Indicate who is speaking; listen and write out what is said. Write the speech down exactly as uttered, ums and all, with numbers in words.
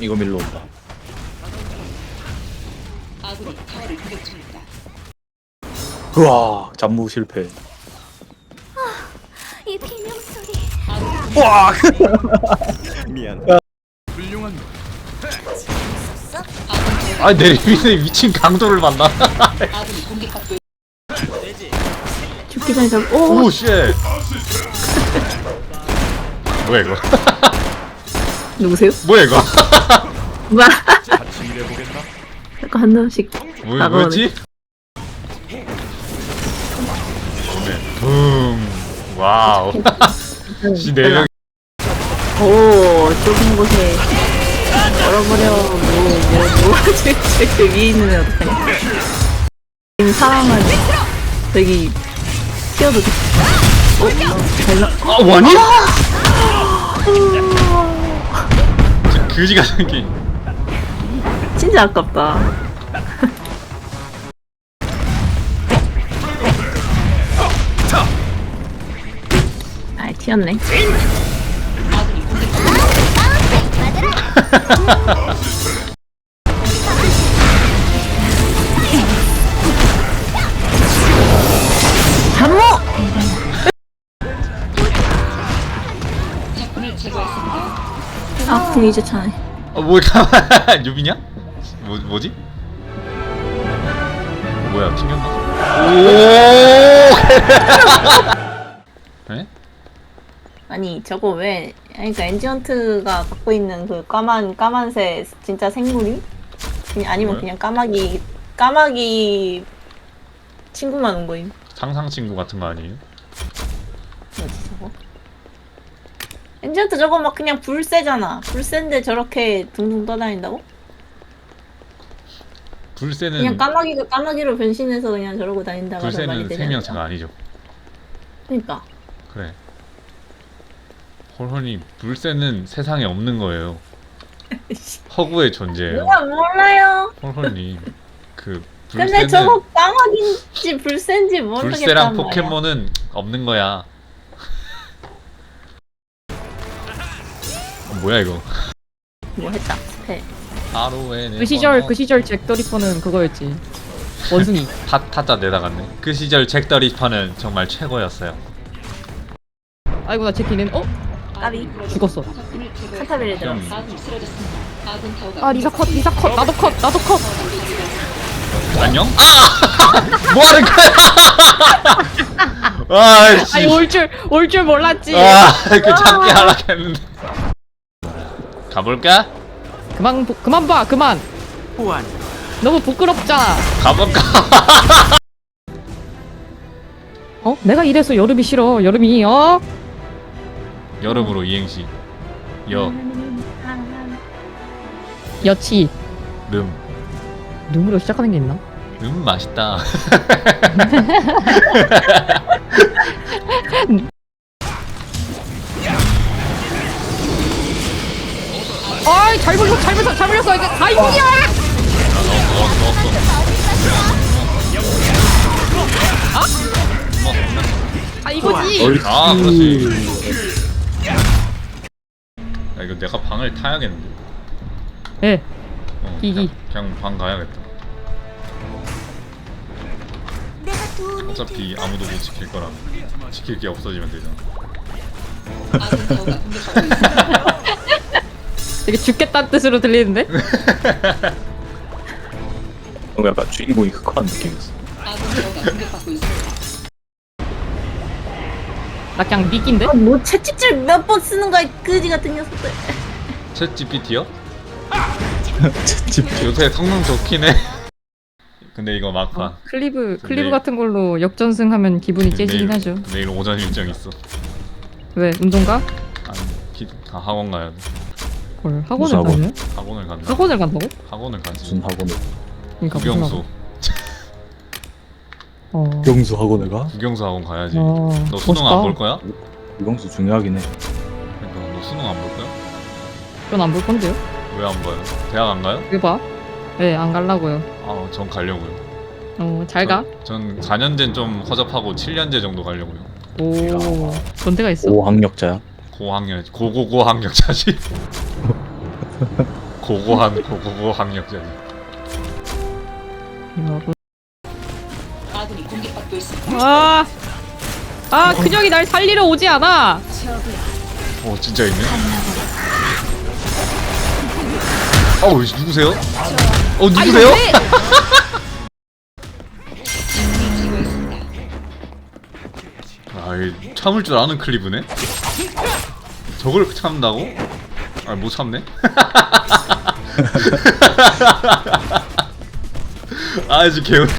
Speaker 1: 이거 밀러 온다.
Speaker 2: 아군이 타워를 공격 중입니다.
Speaker 1: 우와, 잠무 실패.
Speaker 3: 이 비명 소리.
Speaker 1: 우와.
Speaker 4: 미안. 훌륭한 거.
Speaker 3: 있었어?
Speaker 5: 아니 내 위에 미친 강도를 만나.
Speaker 2: 아군이 공격받고
Speaker 6: 죽기 전에 좀 오!
Speaker 5: 오 쉣. 뭐야 이거?
Speaker 6: 누구세요?
Speaker 5: 뭐야 이거?
Speaker 6: 뭐야?
Speaker 4: 같이 일해보겠나?
Speaker 6: 자꾸 한 놈씩
Speaker 5: 뭐
Speaker 6: 다가오네.
Speaker 5: 뭐였지? 네. 붐. 와우. 씨 네 명.
Speaker 6: 오, 좁은 곳에 얼어버려. 뭐, 뭐, 뭐. 저, 저, 저 위에 있는 애 어떡하냐. 지금 사람은 저기 튀어도 돼. 어? 잘 나.
Speaker 5: 아 원이? 저 그지가 생긴.
Speaker 6: 진짜 아깝다. 아, 튀었네.
Speaker 2: 아군이 공격받고
Speaker 6: 잠모!
Speaker 2: 적군을 제거했습니다.
Speaker 6: 아, 궁 이제 차네.
Speaker 5: 어 뭐야 가만. 유비냐? 뭐 뭐지? 뭐야 튕겼나? 오. 에?
Speaker 6: 아니, 저거 왜, 아니, 그러니까 엔지언트가 갖고 있는 그 까만, 까만새 진짜 생물이? 그냥, 아니면
Speaker 5: 뭐야?
Speaker 6: 그냥 까마귀, 까마귀 친구만 온 거임.
Speaker 5: 상상 친구 같은 거 아니에요?
Speaker 6: 뭐지, 저거? 엔지언트 저거 막 그냥 불새잖아. 불새인데 저렇게 둥둥 떠다닌다고?
Speaker 5: 불새는
Speaker 6: 그냥 까마귀가 까마귀로 변신해서 그냥 저러고 다닌다고 하면 말이
Speaker 5: 불새는
Speaker 6: 되지
Speaker 5: 생명체가
Speaker 6: 않을까?
Speaker 5: 아니죠.
Speaker 6: 그니까.
Speaker 5: 그래. 홀홀이 불새는 세상에 없는 거예요. 허구의 존재예요.
Speaker 6: 누가 몰라요?
Speaker 5: 홀홀님 그
Speaker 6: 근데
Speaker 5: 불새는
Speaker 6: 저거 까마귀인지 불새인지 모르겠단
Speaker 5: 불새랑
Speaker 6: 말이야.
Speaker 5: 포켓몬은 없는 거야. 어, 뭐야 이거?
Speaker 6: 뭐 했다. 스페.
Speaker 5: 하루에는
Speaker 7: 그 시절 그 시절 잭더 리퍼는 그거였지. 원숭이.
Speaker 5: 타 타짜 내다갔네. 그 시절 잭 더 리퍼는 정말 최고였어요.
Speaker 7: 아이고 나 제키는 어?
Speaker 6: 까비.
Speaker 7: 죽었어.
Speaker 2: 적군을 제거했습니다.
Speaker 6: 카타빌에 들어.
Speaker 5: 좀
Speaker 2: 아군이 쓰러졌습니다. 아군 타워가
Speaker 7: 아 리사 컷 리사 컷 나도 컷 나도 컷.
Speaker 5: 안녕? 아! 뭐 하는 거야? 아이씨.
Speaker 7: 아니 올 줄 올 줄 몰랐지.
Speaker 5: 아, 그 잡기 하락했는데. 가볼까?
Speaker 7: 그만 보, 그만 봐 그만. 너무 부끄럽잖아.
Speaker 5: 가볼까?
Speaker 7: 어? 내가 이래서 여름이 싫어. 여름이 어?
Speaker 5: 여름으로 이행시. 여,
Speaker 7: 여치.
Speaker 5: 름.
Speaker 7: 눈으로 시작하는 게 있나?
Speaker 5: 음, 맛있다.
Speaker 7: 아이 잘 불렸어 잘 불렸어 잘 불렸어 이게 다 이분이야. 아 이거지.
Speaker 5: 아, 그렇지. 야, 이거 내가 방을 타야겠는데.
Speaker 7: 예.
Speaker 5: 어,
Speaker 7: 기기.
Speaker 5: 그냥, 그냥 방 가야겠다.
Speaker 3: 내가 도움이
Speaker 5: 어차피 아무도 못 지킬 거라면 지킬 게 없어지면 되잖아.
Speaker 2: 아군 타워가 공격받고 있습니다.
Speaker 7: 되게 죽겠다는 뜻으로 들리는데?
Speaker 1: 뭔가 약간 주인공이 흑화한 느낌이었어.
Speaker 2: 아군 타워가 공격받고 있습니다.
Speaker 7: 나 그냥 미끼인데?
Speaker 6: 아, 뭐 채찍질 몇 번 쓰는 거야, 이 그지 같은 녀석들.
Speaker 5: 챗 지피티요?
Speaker 1: 집
Speaker 5: 요새 성능 좋긴 해. 근데 이거 막판.
Speaker 7: 어, 클리브 클리브
Speaker 5: 내일-
Speaker 7: 같은 걸로 역전승하면 기분이 째지긴
Speaker 5: 내일-
Speaker 7: 하죠.
Speaker 5: 내일 오전 일정 있어.
Speaker 7: 왜 운동가?
Speaker 5: 아니, 기, 다 학원 가야 돼.
Speaker 7: 헐
Speaker 1: 무슨
Speaker 7: 학원을
Speaker 1: 학원?
Speaker 7: 가냐?
Speaker 5: 학원을 간다.
Speaker 7: 학원을 간다고?
Speaker 5: 학원을 가지.
Speaker 1: 무슨 학원을?
Speaker 7: 그러니까 무슨
Speaker 5: 국영수.
Speaker 7: 학원? 어.
Speaker 1: 경수 학원을 가?
Speaker 5: 국영수 학원 가야지.
Speaker 7: 어,
Speaker 5: 너 수능 안
Speaker 7: 멋있다.
Speaker 5: 볼 거야?
Speaker 1: 경수 중요하긴 해.
Speaker 5: 그러니까 너 수능 안 볼 거야?
Speaker 7: 전 안 볼 건데요?
Speaker 5: 왜 안 봐요? 대학 안 가요?
Speaker 7: 왜 봐? 네, 안 갈라고요.
Speaker 5: 아, 전 가려고요.
Speaker 7: 어, 잘 가.
Speaker 5: 전 사 년제는 좀 허접하고 칠 년제 정도 가려고요.
Speaker 7: 오, 그런 데가 있어?
Speaker 1: 오학력자야.
Speaker 5: 고학년, 고고고 학력자지. 고고한 고고고 학력자니.
Speaker 6: 이거고.
Speaker 2: 아군이 공격받고 있습니다.
Speaker 7: 아, 아, 그녀이 날 살리러 오지 않아.
Speaker 5: 어 진짜 있네. 어우 누구세요? 어
Speaker 7: 아,
Speaker 5: 누구세요?
Speaker 7: 이거 왜?
Speaker 2: 제거했습니다.
Speaker 5: 아이 참을 줄 아는 클리브네. 저걸 참는다고? 아 못 참네. 아 이제 개운.